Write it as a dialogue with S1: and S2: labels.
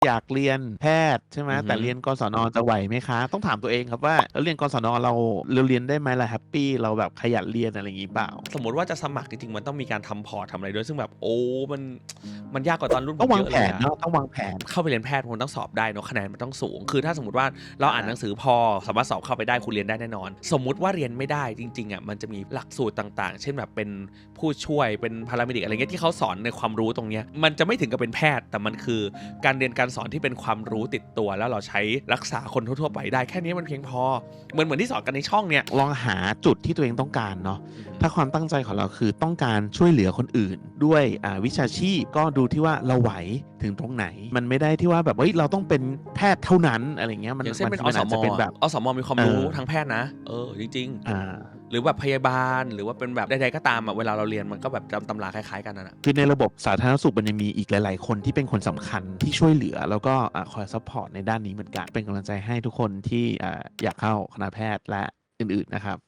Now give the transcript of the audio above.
S1: อยากเรียนแพทย์ใช่ไหมแต่เรียนกศนจะไหวไหมคะต้องถามตัวเองครับว่าเรียนกศนเราเรียนได้ไหมล่ะแฮปปี้เราแบบขยันเรียนอะไรอย่างนี้เปล่า
S2: สมมติว่าจะสมัครจริงๆมันต้องมีการทำพอร์ตทำอะไรด้วยซึ่งแบบโอ้มันยากกว่าตอนรุ่นผ
S1: ต้องวาง
S2: มเยอะเลยอะ
S1: แผนเนาะต้องวางแผน
S2: เข้าไปเรียนแพทย์มันต้องสอบได้เนาะคะแนนมันต้องสูงคือถ้าสมมติว่าเราอ่านหนังสือพอสามารถสอบเข้าไปได้คุณเรียนได้แน่นอนสมมุติว่าเรียนไม่ได้จริงๆอะมันจะมีหลักสูตรต่างๆเช่นแบบเป็นผู้ช่วยเป็นพาราเมดิกอะไรเงี้ยที่เขาสอนในความรู้ตรงเนี้ยมันจะไม่ถึงกับเป็นแพทย์แต่มันคือการเรียนการสอนที่เป็นความรู้ติดตัวแล้วเราใช้รักษาคนทั่วๆไปได้แค่นี้มันเพียงพอเหมือนที่สอนกันในช่องเนี่ย
S1: ลองหาจุดที่ตัวเองต้องการเนาะถ้าความตั้งใจของเราคือต้องการช่วยเหลือคนอื่นด้วยวิชาชีพก็ดูที่ว่าเราไหวถึงตรงไหนมันไม่ได้ที่ว่าแบบเราต้องเป็นแพทย์เท่านั้นอะไรเงี้ยมัน
S2: อย่างเช่นเป็น
S1: อาจจะเป็นแบบ
S2: อสมมีความรู้ทางแพทย์นะจริงๆหรือแบบพยาบาลหรือว่าเป็นแบบใดๆก็ตามเวลาเราเรียนมันก็แบบจำตำราคล้ายๆกันนะ
S1: คือในระบบสาธารณสุขมันยังมีอีกหลายๆคนที่เป็นคนสำคัญที่ช่วยเหลือแล้วก็คอยซัพพอร์ตในด้านนี้เหมือนกันเป็นกำลังใจให้ทุกคนที่อยากเข้าคณะแพทย์และอื่นๆนะครับ